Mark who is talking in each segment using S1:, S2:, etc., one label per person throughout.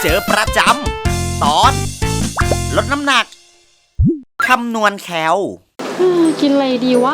S1: เจอประจำตอนลดน้ำหนักคำนวณแคล
S2: กินอะไรดีวะ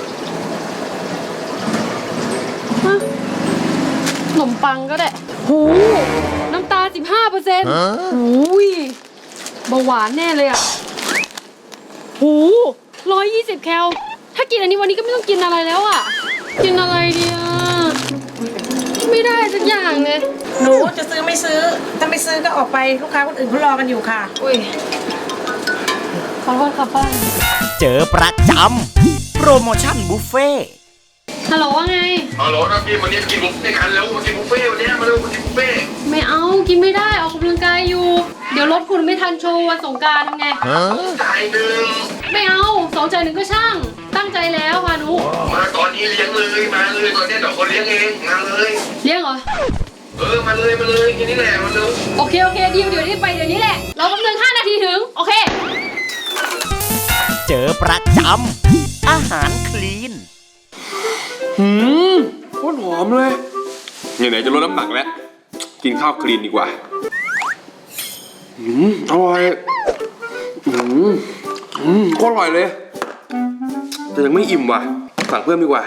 S2: ขนมปังก็ได้หูน้ำตาล 15%หูยเบาหวานแน่เลยอ่ะหู120 แคลถ้ากินอันนี้วันนี้ก็ไม่ต้องกินอะไรแล้วอ่ะกินอะไรดีอ่ะไม่ได้สักอย่างเลย
S3: หนูจะซื้อไม่ซื้อถ้าไม่ซื้อก็ออกไปลูกค้าคนอื่นเขารอกันอยู่ค่ะ
S2: อุ้ยขอโทษค่ะป้า
S1: เจอประจำโปรโมชั่นบุฟเฟ่
S2: ฮัลโหลว่าไง
S4: ฮัลโหลนะพี่วันนี้กินบุฟเฟ่กันแล้วมากินบุฟเฟ่วันนี้มาเร็วมากินบุฟเฟ่
S2: ไม่เอากินไม่ได้ออกกำลังกายอยู่เดี๋ยวรถคุณไม่ทันโชว์วันสงกรานต์ทำไง
S4: จ่ายหนึ่ง
S2: ไม่เอา2 จ่าย 1ก็ช่างตั้งใจแล้วพานุ
S4: มาตอนนี้เลี้ยงเลยมาเลยตอนนี้เดี๋ยวคนเลี้ยงเองมาเลย
S2: เลี้ยงเหรอ
S4: มาเลยกินนี่แหละมาเลย
S2: โอเคดีเดี๋ยวนี้ไปเดี๋ยวนี้แหละเรากำลัง5 นาทีถึงโอเค
S1: เจอประจำอาหารคลีน
S4: โคตรหอมเลยไหนจะลดน้ำหนักแล้วกินข้าวคลีนดีกว่าอร่อยโคตรอร่อยเลยแต่ยังไม่อิ่มว่ะสั่งเพิ่มดีกว่า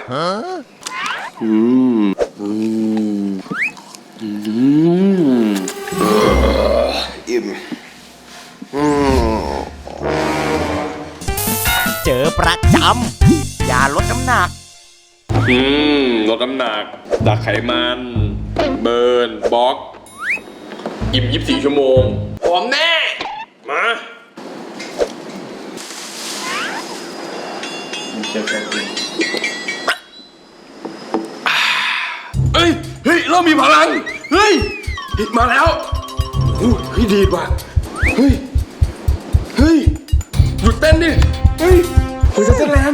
S4: อิ่ม
S1: เจอประจำยาลดน้ำหนัก
S4: ลดน้ำหนักดักไขมันเบิร์นบล็อกอิ่ม24 ชั่วโมงหอมแน่มาเฮ้ยเริ่มมีพลังเฮ้ยมาแล้วเฮ้ยดีว่ะเฮ้ยหยุดเต้นดิเฮ้ยจะเต้นแรง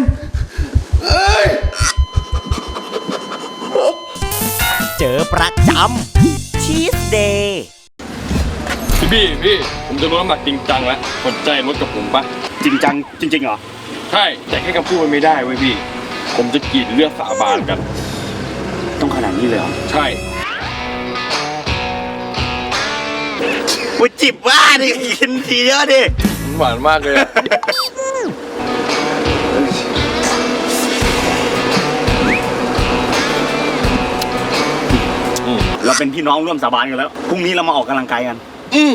S1: เจอประจำชีสเดย์
S4: พี่ผมจะลดน้ำหนักจริงจังแล้วสนใจลดกับผมปะ
S1: จริงจังจริงเหรอ
S4: ใช่แต่แค่คำพูดมันไม่ได้เว้ยพี่ผมจะกรีดเลือดสาบานกัน
S1: ต้องขนาดนี้เลยเหรอ
S4: ใช่
S1: กูจิบว่าดิกินทีเยอะดิ
S4: หวานมากเลย
S1: เราเป็นพี่น้องร่วมสาบานกันแล้วพรุ่งนี้เรามาออกกำลังกายกัน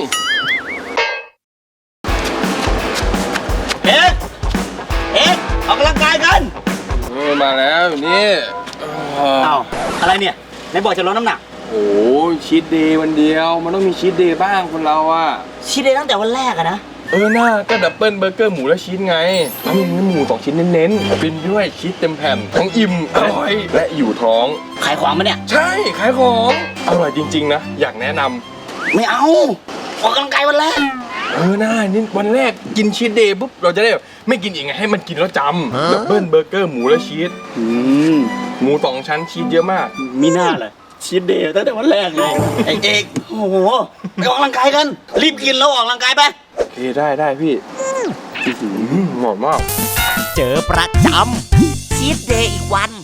S1: เอ๊ะออกกำลังกายกัน
S4: มาแล้วนี่
S1: อ้าวอะไรเนี่ยไหนบอกจะลดน้ำหนัก
S4: โอ้ชีทเดย์วันเดียวมันต้องมีชีทเดย์บ้างคนเราอะ
S1: ชีทเดย์ตั้งแต่วันแรกอะนะ
S4: น่าก็ดับเบิลเบอร์เกอร์หมูและชีสไงทั้งเนื้อหมู2 ชิ้นเน้นๆเป็นด้วยชีสเต็มแผ่นทั้งอิ่มอร่อยและอยู่ท้อง
S1: ขายของมั้ยเนี่ย
S4: ใช่ขายของอร่อยจริงๆนะอยากแนะน
S1: ำไม่เอาออกกำลังกายวันแรก
S4: น่านี่วันแรกกินชีสเดย์ปุ๊บเราจะได้แบบไม่กินอีกไงให้มันกินแล้วจำดับเบิลเบอร์เกอร์หมูและชีสหมู2 ชั้นชีสเยอะมาก
S1: มีหน้าเลยชีสเดย์ตั้งแต่วันแรกเลยเอกโอ้โหไปออกกำลังกายกันรีบกินแล้วออกกำลังกายไป
S4: โอเคได้พี่หอมมาก
S1: เจอประจำชีสเดย์อีกวัน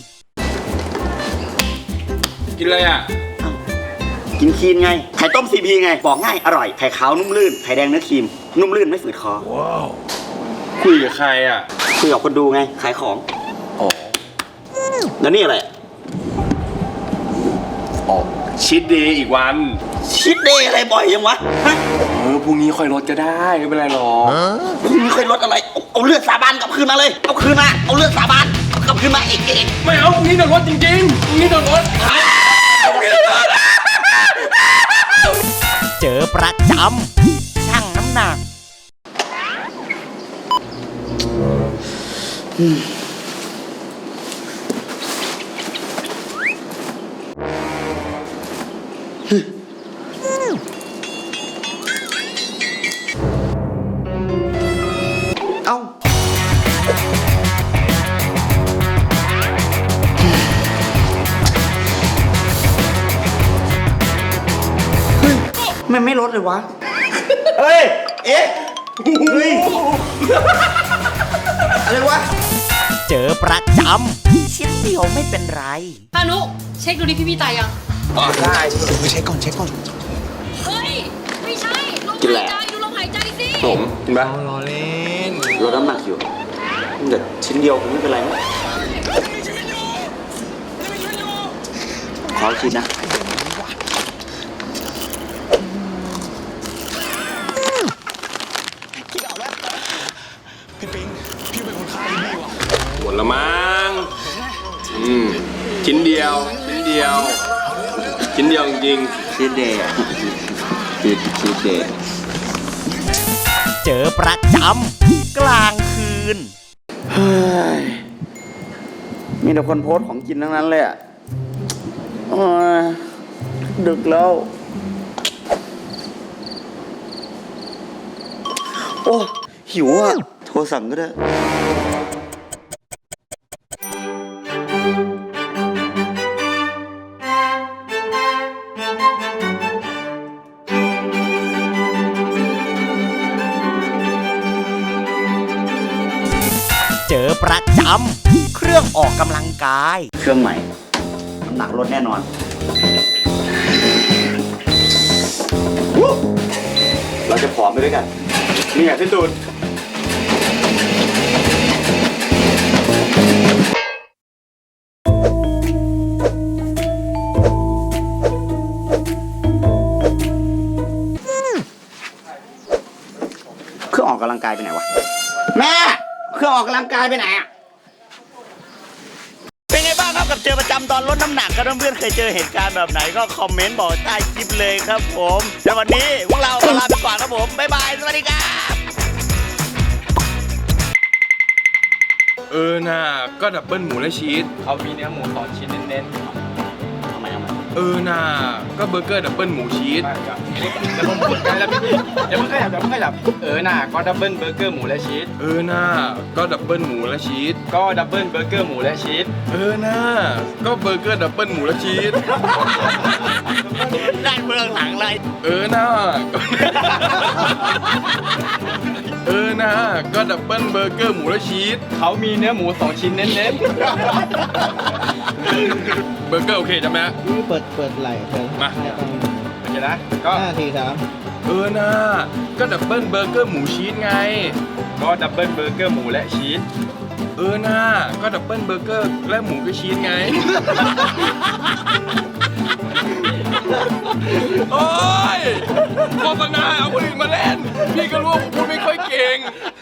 S4: กินอะไรอ่ะ
S1: กินคลีนไงไข่ต้มซีพีไงบอกง่ายอร่อยไข่ขาวนุ่มลื่นไข่แดงเนื้อครีมนุ่มลื่นไม่ฝืดคอ
S4: ว้าวคุยกับใครอ่ะ
S1: คุยกับคนดูไงขายของแล้วนี่อะไร
S4: ชีทเดย์อีกวัน
S1: ชีทเดย์อะไรบ่อยยังวะ
S4: พรุ่งนี้ค่อยลดก็ได้ไม่เป็นไรหรอก
S1: พรุ่งนี้ค่อยลดอะไรเอาเลือดสาบานกลับคืนมาเลยเอาคืนมาเอาเลือดสาบานกลับคืนมาเอก
S4: ไม่เอาพรุ่งนี้โดนลดจริงๆพรุ่งนี้โดนลด
S1: เจอประจำชั่งน้ำหนักเอ้ามันไม่ลดเลยวะเฮ้ยอะไรวะเจอประจำชิ้นเดียวไม่เป็นไร
S2: พานุเช็คดูดิพี่ตายยัง
S4: ได้
S1: ไปเช็คก่อน
S2: เฮ้ยไม่
S4: มเห็นปะ
S5: รอเล่น
S1: ลดน้ำหนักอยู่แต่ชิ้นเดียวคงไม่เป็นไรมั้งขอชิ้นนะ
S4: หมดละมั้งชิ้นเดียวจริง
S1: ชีสเดย์ชีสเดย์
S6: เจอประจำกลางคืน
S1: เฮ้ยมีแต่คนโพสต์ของกินทั้งนั้นเลยอ่ะโอ้ยดึกแล้ว โอ้หิวอ่ะ โทรสั่งก็ได้
S6: เจอประจำเครื่องออกกำลังกาย
S1: เครื่องใหม่น้ำหนักลดแน่นอนวู้เราจะผอมไปด้วยกัน นี่ไงพี่ตูนเครื่องออกกำลังกายไปไหนวะ แม่ เครื่องออกกำลังกายไปไหนอะ
S6: เป็นไงบ้างครับกับเจอประจำตอนลดน้ำหนักครับเพื่อนๆเคยเจอเหตุการณ์แบบไหนก็คอมเมนต์บอกใต้คลิปเลยครับผมแต่วันนี้พวกเราขอลาไปก่อนครับผมบ๊ายบายสวัสดีครับ
S4: น่าก็ดับเบิลหมูและชีส
S5: เขามีเนื้อหมู2 ชิ้นเน้นๆ
S1: ทำไม
S4: น่าก็เบอร์เกอร์ดับเบิลหมูชีส
S5: แล้วผมพูดกันแล้วพี่อย่าเพิ่งขยับน่ะก็ดับเบิลเบอร์เกอร์หมูและชีส
S4: น่าก็ดับเบิลหมูและชีส
S5: ก็ดับเบิลเบอร์เกอร์หมูและชีส
S4: น่าก็เบอร์เกอร์ดับเบิลหมูและชีส
S6: ด้านเบื้องหลังเลย
S4: น่าน่าก็ดับเบิลเบอร์เกอร์หมูและชีส
S5: เขามีเนื้อหมู2 ชิ้นเน้น
S4: เบอร์เกอร์โอเคใช่ไหมฮะ
S7: เปิดไหล่เปิด
S4: มา
S5: ๆโอเคนะก็
S7: 5 ที 3
S4: น่าก็ดับเบิลเบอร์เกอร์หมูชีสไง
S5: ก็ดับเบิลเบอร์เกอร์หมูและชีส
S4: น่าก็ดับเบิลเบอร์เกอร์และหมูกับชีสไง โอ้ยโฆษณาเอาคนอื่นมาเล่น พี่ก็รู้ว่าผมพูดไม่ค่อยเก่ง